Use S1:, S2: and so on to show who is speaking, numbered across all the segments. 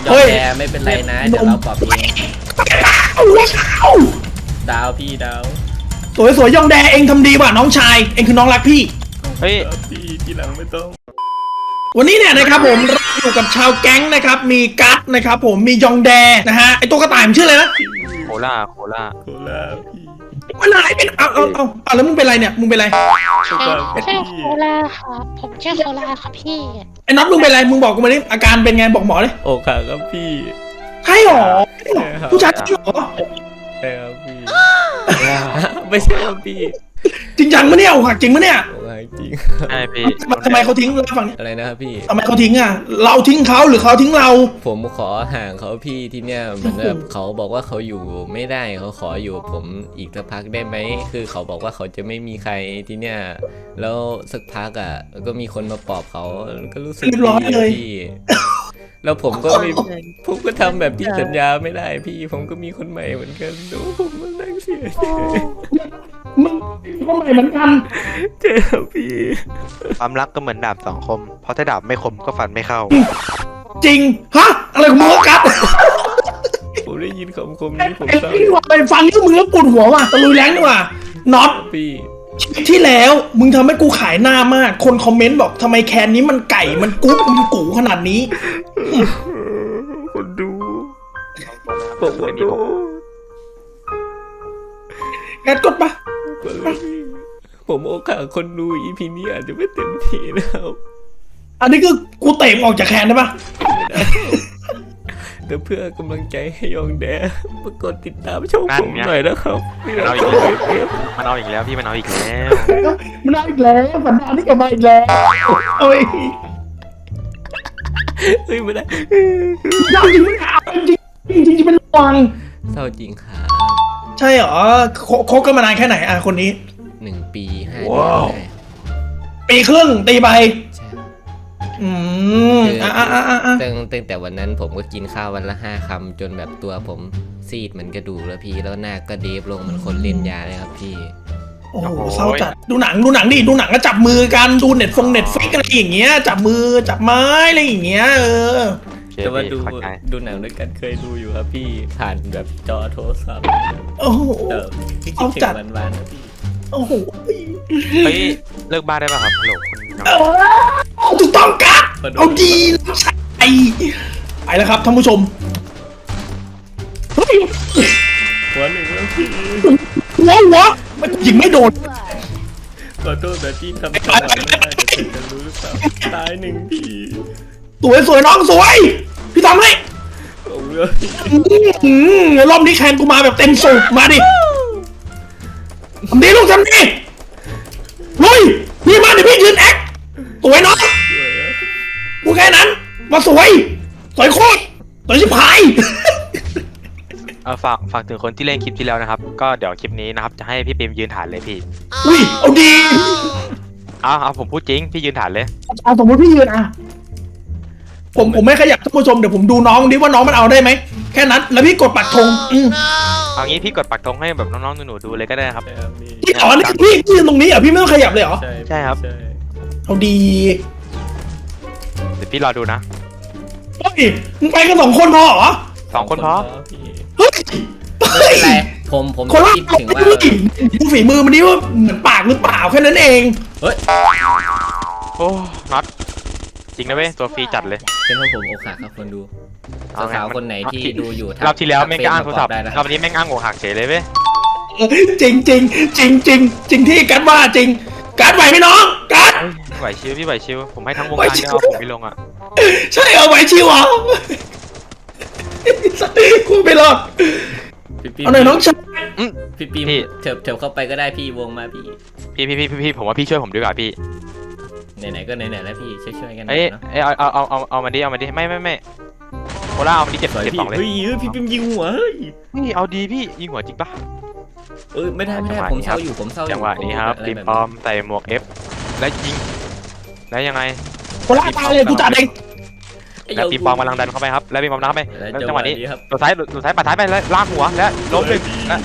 S1: จอมแดไม่เป็นไรนะเดี๋ยวเราปรับเองดาวพี่ดาว
S2: สวยๆยองแดเองทำดีว่ะน้องชายเองคือน้องรักพี่
S3: เฮ้ย
S1: พี่ทีหลังไม่ต้อง
S2: วันนี้เนี่ยนะครับผมเราอยู่กับชาวแก๊งนะครับมีกัสนะครับผมมียองแดนะฮะไอตัวกระต่ายมันชื่ออะไรนะ
S3: โคล่า
S1: โคลาพี่
S2: มันอะไรเป็นเอาแล้วมึงเป็นไรเนี่ยมึงเป็นไร
S4: ชื่อโคลาครับผมชื่อโคลาครับพี่
S2: ไอ้น็อตมึงเป็นไรมึงบอกกูมาดิอาการเป็นไงบอกหมอเลย
S1: โอ้ค่ะครับพี่
S2: ใช่หรอผู้ชายจริงหรอ
S1: ใช่ครับพี่ไม่ใช่ครับพี่
S2: จริงจังมะเนี่ยอกหักจริงมะเนี่ย
S1: โอ้ยจริง
S3: ใช่พี่
S2: ทำไมเขาทิ้งเราฝั่งนี้
S1: อะไรนะครับพี่
S2: ทำไมเขาทิ้งอ่ะเราทิ้งเขาหรือเขาทิ้งเรา
S1: ผมขอห่างเขาพี่ที่เนี่ยเหมือนแบบเขาบอกว่าเขาอยู่ไม่ได้เขาขออยู่ผมอีกสักพักได้ไหมคือเขาบอกว่าเขาจะไม่มีใครที่เนี่ยแล้วสักพักอ่ะก็มีคนมาปลอบเขาก็รู้สึกดีอะพี่แล้วผมก็ทำแบบที่สัญญาไม่ได้พี่ผมก็มีคนใหม่เหมือนกันดูผมมันนั่งเสียใจ
S2: มึงก็ใหม่เหมือนกัน
S1: เจ็บพี่
S3: ความรักก็เหมือนดาบสองคม เพราะถ้าดาบไม่คมก็ฟันไม่เข้า
S2: จริงฮะอะไรของมึงวะกัส
S1: ผมได้ยินคำคมนี้ผม
S2: ไอ้
S1: เศร้า
S2: พี่ว่าไปฟังที่มึงแล้วปวดหัวว่ะตะลุยแรงดีกว่าน็อต
S1: พี่
S2: ที่แล้วมึงทำให้กูขายหน้ามาก คนคอมเมนต์บอกทำไมแคนนี้มันไก่มันกุ๊กมันกูขนาดนี้
S1: คนดูผมขอโทษ
S2: แกดกดปะ
S1: ผมโอกาสคนดูอีพีนี้อาจจะไม่เต็มที่นะครับ
S2: อันนี้คือกูเตะมึงออกจากแคนได้ปะ
S1: แต่เพื่อกำลังใจให้ยองแดมากดติดตามช่อง
S3: นั่น
S1: ผม
S3: ไง
S1: หน่อยนะครับ
S3: มันเอาอีกแล้วมันเอาอีกแล้วพี่มันเอาอีกแล้ว
S2: มันเอาอีกแล้วสันดานนี่กลับมาอีกแล้วโอ้ย
S1: เฮ้ยไม่ได้
S2: ยากจริงไหมเนี่ยเอาจริงจริงจริงเป็นวัง
S1: เศร้าจริงครับ
S2: ใช่เหรอคบกันมานานแค่ไหนอ่ะคนนี้
S1: 1 ปี5 เดือนได้
S2: ปีครึ่งตีไป
S1: ใช่
S2: อืม
S1: ตั้งแต่วันนั้นผมก็กินข้าววันละ5 คำจนแบบตัวผมซีดเหมือนกระดูกแล้วพี่แล้วหน้าก็เดฟลงเหมือนคนเล่นยาเลยครับพี่
S2: โอ้โหเศร้าจัดดูหนังดิดูหนังก็จับมือกันดูเน็ตฟิกอะไรอย่างเงี้ยจับมือจับไม้อะไรอย่างเงี้ย
S1: แต่ว่า
S3: โอเคพี่เข้าใจ
S1: ดูหนังด้วยกันเคยดูอยู่ครับพี่ผ่านแบบจอโทรศัพท์
S2: โอ้โห
S1: พี่คิ
S2: เอา
S1: ดถึ
S2: จัด
S1: งวันๆนะพี่
S2: โอ้โห
S3: เฮ้ยเลิกบ้าได้ป่ะครับฮัลโหลคุณน้อง
S2: ถูกต้องครับเอาดีใช่ไปแล้วครับท่านผู้ชมเฮ้ย
S1: หัวหนึ่งแล้วพี่
S2: หัวมันยิงไม่โดน
S1: ขอโทษแบบที่ทำจังหวะไม่ได้แต่เธอจะรู้หรือเปล่าตาย1พี่
S2: สวยน้องสวยพี่ทำให้
S1: ผมเลย
S2: รอบนี้แคนกูมาแบบเต็มสูบมาดิทำดีลูกทำดีลุยนี่มาเดี๋ยวพี่ยืนแอคสวยน้องกูแค่นั้นมาสวยโคตรสวยชิบหาย
S3: ฝากถึงคนที่เล่นคลิปที่แล้วนะครับ ก็เดี๋ยวคลิปนี้นะครับจะให้พี่ปิมยืนฐานเลยพี่
S2: อุ้ยเอาดี
S3: เอาผมพูดจริงพี่ยืนฐานเลย
S2: เอาสมมติพี่ยืนอ่ะผมไม่ขยับท่านผู้ชมเดี๋ยวผมดูน้องดิว่าน้องมันเอาได้ไหมแค่นั้นแล้วพี่กดปักธง
S3: เอางี้พี่กดปักธงให้แบบน้องๆหนูๆดูเลยก็ได้นะครับ
S1: ใช่ครับพี่
S2: พี่อ๋อนี่พี่ยืนตรงนี้เหรอพี่ไม่ต้องขยับเลยเหรอ
S3: ใช่ครับ
S1: ใช่
S2: เอาดี
S3: เดี๋ยวพี่รอดูนะ
S2: เฮ้ยมึงไปกัน2 คนพอเหรอ
S3: 2 คนพอ
S1: พี่
S2: เฮ้ย
S1: ไม่เป็นไรผม
S2: คนละ
S1: คิดถึงว่า
S2: ดูฝีมือมันนี่ว่าเหมือนปากหรือเปล่าแค่นั้นเอง
S1: เฮ้ย
S3: โอ้น็อตจริงนะเว้ยตัวฟรีจัดเลย
S1: เป็นเพราะผมอกหักครับคนดูสาวๆคนไหนที่ดูอยู่ทัก
S3: รอบที่แล้วแม่งก็อ้างโทรศัพท์
S1: ได้นะค
S3: ร
S1: รั
S3: อบบ นี้แม่งอ้างอกหักเฉยเลยเว้ย
S2: จริงที่กัดว่าจริงกัดไหวไหมน้องกัด
S3: ไหวชิวพี่ไหวชิวผมให้ทั้งวงการเนี่ยเอาผมไปลงอ่ะ
S2: ใช่เอาไหวชิวเหรอกูไม่รอด
S1: พี่
S2: เอาหน่อยน้องชาย
S1: พี่ปีเถิบเข้าไปก็ได้พี่วงมาพี่
S3: พี่ผมว่าพี่ช่วยผมดีกว่าพี่
S1: ไหนๆก็ไหนๆแล้วพี่ช่วยๆกัน
S3: เอ้ย
S1: เนาะ
S3: เอามาดิไม่โคล่าเอามาดิเจ็บ
S1: สวย
S3: เจ็บ
S1: พี่
S3: สองเลย
S1: เฮ้ยพี่ปิมยิงหัวเฮ้ย
S3: นี่เอาดีพี่ยิงหัวจริงปะ
S1: ไม่ได้ผมเศร้าอยู่ผมเศร้าอยู่
S3: จังหวะนี้ครับปิมปอมใส่หมวก F และยิงแล้วยังไง
S2: คนละตาเลยกูจัดเอง
S3: แล้วปิมปอมกำลังดันเข้าไปครับแล้วปิมปอมดันเข้าไปแล้วจังหวะนี้
S1: ครับ
S3: ตัวซ้ายปัดท้ายไปแล้วลากหัวแล้วล้มหนึ่งและ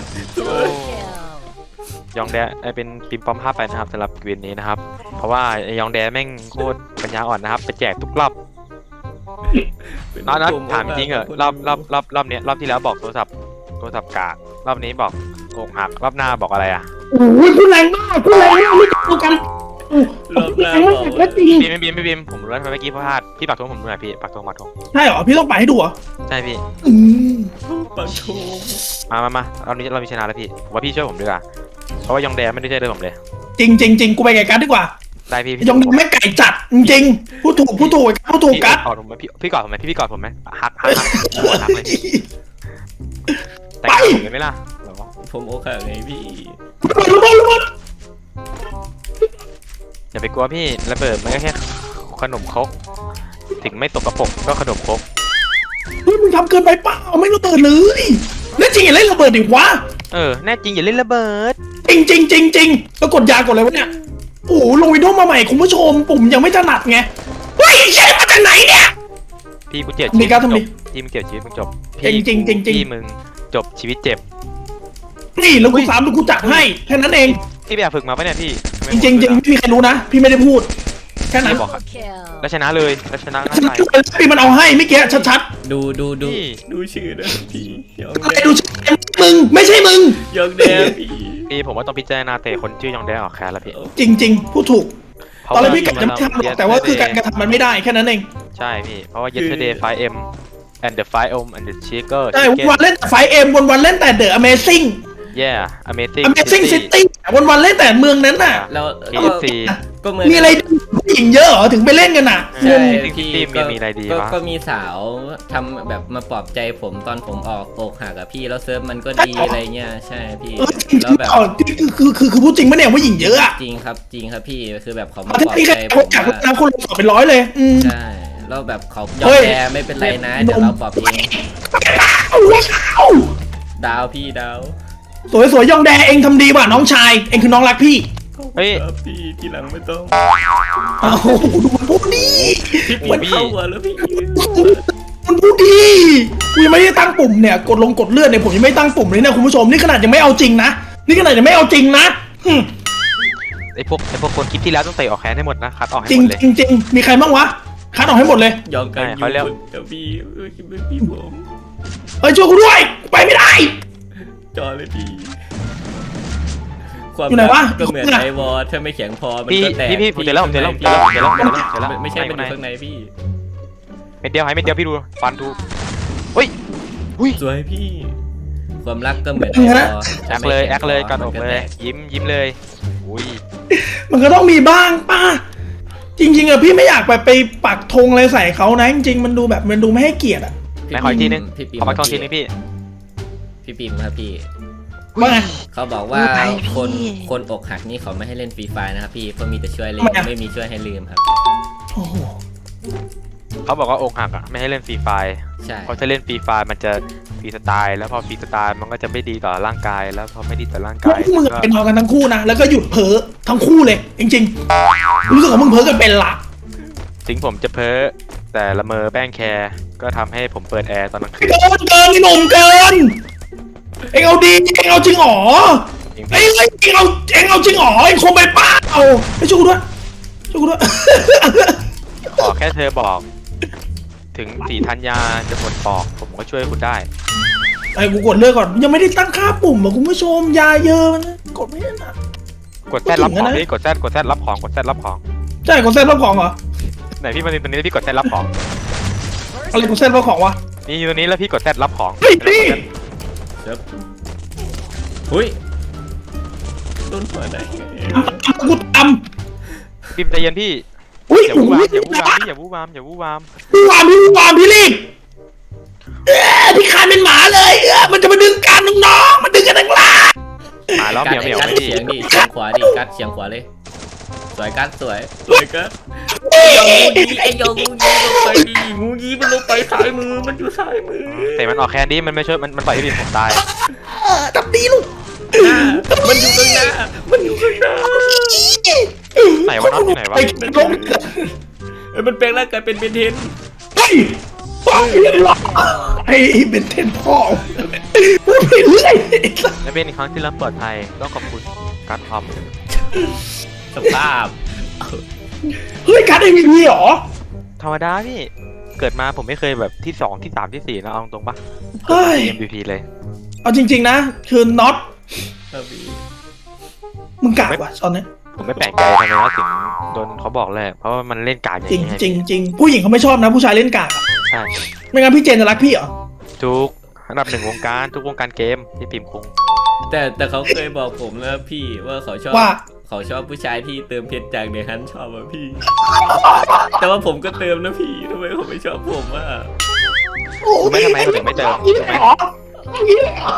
S3: ยองแดเป็นปิมปอม5 ไปนะครับสำหรับเกวียนนี้นะครับเพราะว่ายองแดแม่งโคตรปัญญาอ่อนนะครับไปแจกทุกรอบน็อตถามจริงเหรอรอบเนี้ยรอบที่แล้วบอกโทรศัพท์กากรอบนี้บอกอกหักรอบหน้าบอกอะไรอ่ะ
S2: โอ้ยพูดแรงมากไม่ถูกกัน
S1: รอบหน้า
S2: แรง
S1: บ
S2: มา
S1: อก
S2: กแล้วจริง
S3: พี่ผมรู้แล้วทำไมเมื่อกี้พลาดพี่ปักธงผมดูหน่อยพี่ปักธง
S2: ใช่เหรอพี่ต้องไปให้ดูเหรอ
S3: ใช่พี่
S1: ปังทู
S3: มาเรามีชนะแล้วพี่ผมว่าพี่ช่วยผมดีกว่าเพราะว่ายองแดไม่ได้ช่วยเลยผมเลย
S2: จริงกูไปไก่กัดดีกว่า
S3: ได้พี่
S2: ยองดำไม่ไก่จัดจริงพูดถูกกัด
S3: กอดผมไหมพี่กอดผมไหมพี่กอดผมไหมฮักเลยพี่แต่งงานผมเลยไหมล่ะ
S1: ผมโอเคไงพี่
S2: ระเบิด
S3: อย่าไปกลัวพี่ระเบิดมันก็แค่ขนมครกถึงไม่ตกกระปกก็ขนมครก
S2: เฮ้ยมึงทำเกินไปเปล่าไม่ระเบิดเลยแล้วจริงอย่าเล่นระเบิดดิวะ
S3: แน่จริงอย่าเล่นระเบิด
S2: จริงแล้วกดยากดเลยวะเนี่ยโอ้โหลงวิดีโอมาใหม่คุณผู้ชมปุ่มยังไม่ถนัดไงเฮ้ยใช่มาจากไหนเนี่ย
S3: พี่กูเจ็บ
S2: มีการทำดิ
S3: พี่มึงเจ็บชีวิตมึงจบ
S2: จริง
S3: พี่มึงจบชีวิตเจ็บ
S2: นี่แล้วกูสามแล้วกูจัดให้แค่นั้นเอง
S3: พี่ไปอยากฝึกมาปะเนี่ยพี่
S2: จริงไม่มีใครรู้นะพี่ไม่ได้พูดแค่นั้น
S3: พี่บอกครับแล้วชนะเลยแล้วชนะง่าย
S2: พี่มันเอาให้ไม่เกี้ชัด
S1: ดู
S3: พี่
S1: ดูชื่อนะพี่ยอง
S2: ๆอะไร
S1: แด
S2: ดูมึงไม่ใช่มึง
S1: ยองแดพี่
S3: พี่ผมว่าต้องพิจารณาเตะคนชื่อยองแดออกแคร์แล้วพี่
S2: จริงพูดถูกตอนแรกพี่กะจะไม่ทำหรอกแต่ว่าคือการกระทำมันไม่ได้แค่นั้นเอง
S3: ใช่พี่เพราะว่า yesterday 5M and the 5M and the chicken
S2: ใช่วันเล่นแต่ไฟเอ็มวันเล่นแต่เดอะ Amazing
S3: yeah amazing
S2: Amazing City วันเล่นแต่เมืองนั้นน่ะ
S1: แล้ว
S3: KFC
S1: ก็เหมือน
S2: มีอะไรผู้หญิงเยอะเหรอถึงไปเล่นกันน่ะ
S1: ใช่
S3: พี่
S1: พี่
S3: มีอะไรดีวะ
S1: ก็มีสาวทำแบบมาปลอบใจผมตอนผมออกอกหักกับพี่แล้วเซิร์ฟมันก็ดีอะไรเงี้ยใช่พี่
S2: จริง
S1: แล้วแบบ
S2: คือพูดจริงปะเนี่ยผู้หญิงเยอะอะ
S1: จริงครับพี่คือแบบเขามา
S2: ถ้า
S1: ปลอบ
S2: พี่
S1: ใจ
S2: แค่
S1: ผ
S2: คน
S1: ม
S2: อยาก
S1: ว่า
S2: นำคนสอบเป็นร้อยเลย
S1: ใช่แล้วแบบเขายอ
S2: เฮ้
S1: ม
S2: ย
S1: แพ้ไม่เป็นไรนะเดี๋ยวเราปลอบเอง
S2: เอา
S1: ดาวพี่ดาว
S2: สวยยองแดเองทำดีว่ะน้องชายเองคือน้องรักพี่
S3: เฮ้ย
S1: ครับพี่ทีหลังไม่ต้อง
S2: โอ้โหดูมันพูดดี
S1: พี่ปีนเข้าหัวแล้วพี่
S2: มันพูดดีกูยังไม่ได้ตั้งปุ่มเนี่ยกดเลื่อนเนี่ยผมยังไม่ตั้งปุ่มเลยนะคุณผู้ชมนี่ขนาดยังไม่เอาจริงนะนี่ขนาดยังไม่เอาจริงนะหึ
S3: ไอพวกคนคิดที่แล้วต้องเตะออกแคร์ให้หมดนะคัดออกให้
S2: จริ
S3: ห
S2: ง
S3: มดเลย
S2: จริงมีใครบ้างวะคัดออกให้หมดเลย
S1: ยอมกัน
S3: ใช่เขาเรียก
S1: เดี๋ยวพี่คิดเป็นพี่ผม
S2: เฮ้ยช่วยกูด้วยไปไม่ได้
S1: จอเลยพี่ความ
S2: อยู่ไหนวะ
S1: รักก็เหมือนไอวอลถ้าไม่แข็งพอมัน
S3: พี่
S1: ก็แตก
S3: พี่ผมเจอแล้วผมเจอแล้ว
S1: ไม่ใช่เป็นอยู่ข้างในพี่
S3: เม็ดเดียวพี่ดูฟันดูเฮ้ย
S1: สวยพี่ ความรักก็เหมือน
S2: เออนะ
S3: แอคเลยกันออกเลยยิ้มเลยอุ้ย
S2: มันก็ต้องมีบ้างป้าจริงๆอะพี่ไม่อยากไปปักธงอะไรใส่เขานะจริงๆมันดูแบบมันดูไม่ให้เกียรติอะ
S3: ไหนขออีกทีนึง
S1: พี่ปิ่ม
S3: ขอมาท่องทีนึงพี่
S1: พี่ปิ่มครับพี่
S2: ว่าไง
S1: เขาบอกว่าคนอกหักนี่เขาไม่ให้เล่นฟรีไฟนะครับพี่เขามีแต่ช่วยเล่น
S2: ทำไมอะ
S1: ไม่มีช่วยให้ลืมครับ
S2: โอ้โห
S3: เขาบอกว่าอกหักอ่ะไม่ให้เล่นฟรีไฟ
S1: ใช่
S3: เพราะถ้าเล่นฟรีไฟมันจะฟรีสไตล์แล้วพอฟรีสไตล์มันก็จะไม่ดีต่อร่างกายแล้วพอไม่ดีต่อร่าง
S2: พว
S3: กาก ย
S2: มึงเป็นนอนกันทั้งคู่นะแล้วก็หยุดเพ้อทั้งคู่เลยจริงๆรู้สึกว่ามึงเพ้อกันเป็นละ
S3: ถึงผมจะเพ้อแต่ละเมอแป้งแคร์ก็ทำให้ผมเปิดแอร์ตอนกลางคืน
S2: เกินไอ้หนุ่มเกินเอ็งเอาดีเอ็งเอาจริงหรอ
S3: จริง
S2: เอ็งเอาจริงหรอเอ็งคงไปป้าเอาไปช่วยกูด้วย
S3: ขอแค่เธอบอก ถึงสีธัญญาจะหมดปอกผมก็ช่วยคุณได้
S2: ไอ้กูกดเลือกก่อนยังไม่ได้ตั้งค่าปุ่มอ่ะคุณผู้ชมยาเยอะมันกดไม่ได้นะ
S3: กดแซดรับของพี่กดแซดรับของกดแซดรับของ
S2: ใช่กดเส้นรับของเหรอ
S3: ไหนพี่มาตรงนี้พี่กดแซดรับของ
S2: อะไรกดเส้นรับของวะ
S3: นี่อยู่ตรงนี้แล้วพี่กดแซดรับของ
S2: เฮ้ยนี่
S1: ครับหุ้ยโดนหัวไหน
S2: กูต
S3: พิมพ์ใจเย็นพี่
S2: ำอุ้ย
S3: อย่าวู่วามอย่าวู่วามพี่
S2: พี่รีบพี่คานเป็นหมาเลยมันจะมาดึงกันน้องๆมันดึงกันทั้งล่าง
S3: มาแล้วเหมียว
S1: กัด
S3: ไม่
S1: เฉียงดิเฉียงขวาดิกัดเฉียงขวาเลยสวยกัดสวยกัดไอ้ยองงูยีลงไปดิงูยีมันลงไปซ้ายมือมันอยู่ซ้ายมือ
S3: แต่มันออกแคนดี้มันไม่ช่วยมันปล่อยให้พี่ผมตาย
S2: ตับดีลูก
S1: มันอยู่ข้างหน้ามันอยู่ข้างหน้า
S3: ไหนวะน็อตอยู่ไหนวะ
S2: ไอ้ลง
S1: มันแปลงร่างกายเป็นเบนเทน
S2: เฮ้ยไอ้เบนเทนพ่อพูดไปเรื่อย
S3: และเป็นอีกครั้งที่รับปลอดภัยต้องขอบคุณการทอม
S1: สภาพ
S2: เฮ้ยการ MVP เหรอ
S3: ธรรมดาพี่เกิดมาผมไม่เคยแบบที่2ที่3ที่4นะเอาตรงปะ
S2: เฮ้ย
S3: MVP เลย
S2: เอาจริง ๆ นะ คือน็อต
S1: ครับพี่
S2: มึงกากว่ะตอนนี้
S3: ผมไม่แปลกใจทำไมว่าถึงโดนเขาบอกเลยเพราะว่ามันเล่นการอย่าง
S2: จริง
S3: นี้ไง
S2: จริงจริงผู้หญิงเขาไม่ชอบนะ ผู้ชายเล่นกากอะ
S3: ใช่
S2: ไม่งั้นพี่เจนจะรักพี่เหรอ
S3: ทุกอันดับ1วงการทุกวงการเกมที่พิมพ์คง
S1: แต่เขาเคยบอกผมนะพี่ว่าเขาชอบ
S2: ว่า
S1: เขาชอบผู้ชายที่เติมเพชรจากเดฮันชอบอะพี่ แต่ว่าผมก็เติมนะพี่ทำไมเขาไม่ชอบผมอะ
S3: รู้ไหมทำไมเขาถึงไม่เจอ
S2: นี่เลยเหรอนี่เลยเหรอ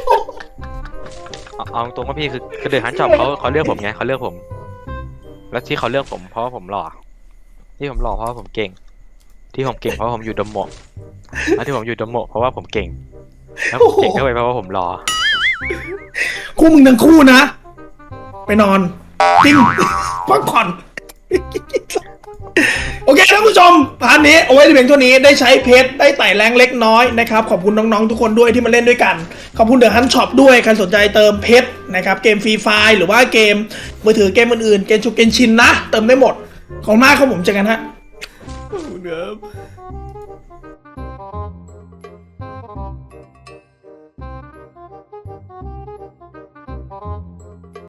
S3: เอาตรงว่าพี่คือเดือดฮันช็อปเขาเลือกผมไงเขาเลือกผม แล้วที่เขาเลือกผมเพราะว่าผมหล่อที่ผมหล่อเพราะว่าผมเก่ง ที่ผมเก่งเพราะว่าผมอยู่ดมโมะแล้วที่ผมอยู่ดมโมะเพราะว่าผมเก่ง แล้วผมเก่งด้วยเพราะว่าผมหล่อ
S2: คู่มึงทั้งคู่นะ ไปนอนจริงพักผ่อน โอเคท่านผู้ชมพาร์ทนี้เอาไว้ในเพียงเท่านี้ได้ใช้เพชรได้ไต่แรงเล็กน้อยนะครับขอบคุณน้องๆทุกคนด้วยที่มาเล่นด้วยกันขอบคุณเดอะฮันช็อปด้วยใครสนใจเติมเพชรนะครับเกมฟรีไฟล์หรือว่าเกมมือถือเกมอื่นๆเกมชุกเกมชินนะเติมได้หมดของหน้าของผมเจอกันฮะ
S1: ขอบคุณครับ